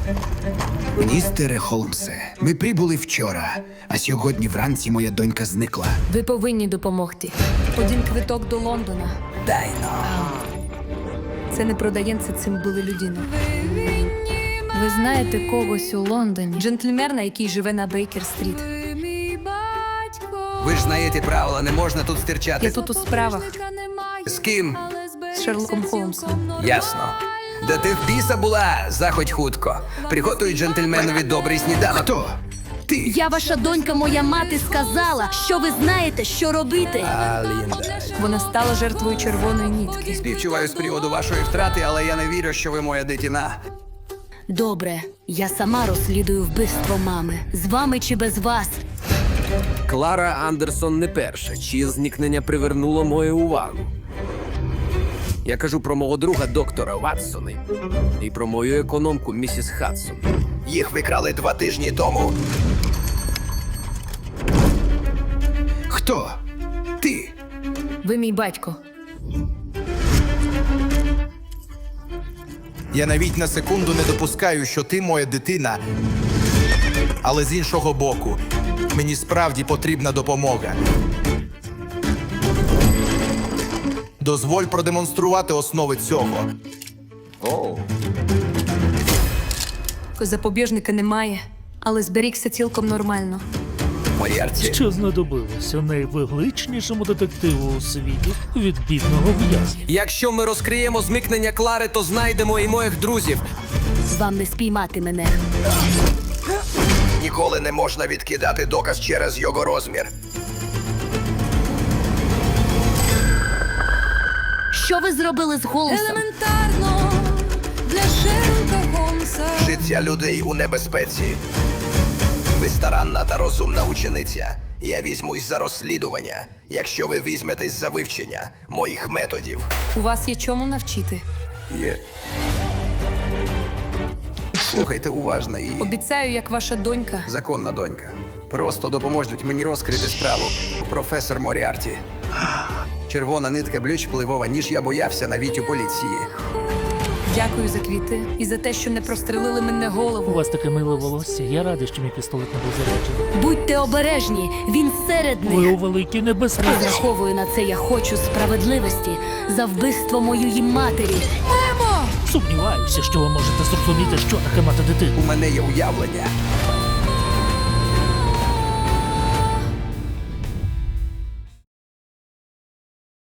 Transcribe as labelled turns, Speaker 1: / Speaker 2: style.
Speaker 1: Містере Холмсе, ми прибули вчора, а сьогодні вранці моя донька зникла.
Speaker 2: Ви повинні допомогти.
Speaker 3: Один квиток до Лондона.
Speaker 1: Дай но.
Speaker 3: Це не продається, цим були людину.
Speaker 2: Ви знаєте когось у Лондоні?
Speaker 3: Джентльмена, який живе на Бейкер-стріт.
Speaker 4: Ви ж знаєте правила, не можна тут
Speaker 3: Я
Speaker 4: стирчати.
Speaker 3: тут у справах
Speaker 4: З ким?
Speaker 3: з Шерлоком Холмсом.
Speaker 4: Ясно. Де ти в біса була? Заходь хутко. Приготуй джентльменові добрий сніданок.
Speaker 1: Хто? Ти?
Speaker 5: Я ваша донька, моя мати сказала, що ви знаєте, що робити.
Speaker 3: Вона стала жертвою червоної нітки.
Speaker 4: Співчуваю з приводу вашої втрати, але я не вірю, що ви моя дитина.
Speaker 5: Добре, я сама розслідую вбивство мами. З вами чи без вас?
Speaker 6: Клара Андерсон не перша, чиє зникнення привернуло мою увагу. Я кажу про мого друга доктора Ватсона і про мою економку місіс Хадсон.
Speaker 4: Їх викрали 2 тижні тому.
Speaker 1: Хто? Ти?
Speaker 2: Ви мій батько.
Speaker 7: Я навіть на секунду не допускаю, що ти моя дитина. Але з іншого боку, мені справді потрібна допомога. Дозволь продемонструвати основи цього.
Speaker 3: Запобіжника немає, але зберігся цілком нормально.
Speaker 4: Моріарті.
Speaker 8: Що знадобилося найвигличнішому детективу у світі від бідного в'язня?
Speaker 6: Якщо ми розкриємо зникнення Клари, то знайдемо і моїх друзів.
Speaker 5: Вам не спіймати мене.
Speaker 4: Ніколи не можна відкидати доказ через його розмір.
Speaker 5: Що ви зробили з Голмсом?
Speaker 3: Елементарно для Шерлока Холмса.
Speaker 4: Життя людей у небезпеці. Ви старанна та розумна учениця. Я візьмусь за розслідування, якщо ви візьметесь за вивчення моїх методів.
Speaker 3: У вас є чому навчити.
Speaker 4: Є. Слухайте уважно і
Speaker 3: Обіцяю, як ваша донька.
Speaker 4: законна донька. Просто допоможуть мені розкрити справу. Професор Моріарті. Червона нитка більш впливова, ніж я боявся навіть у поліції.
Speaker 3: Дякую за квіти і за те, що не прострелили мене
Speaker 8: У
Speaker 3: голову.
Speaker 8: вас таке миле волосся. Я радий, що мій пістолет не був заряджений.
Speaker 5: Будьте обережні, він серед
Speaker 8: Ви
Speaker 5: них.
Speaker 8: у великій небезпеці.
Speaker 5: Розраховую на це, я хочу справедливості за вбивство моєї матері.
Speaker 8: Сумніваюся, що ви можете зрозуміти, що таке мати дитину.
Speaker 4: У мене є уявлення.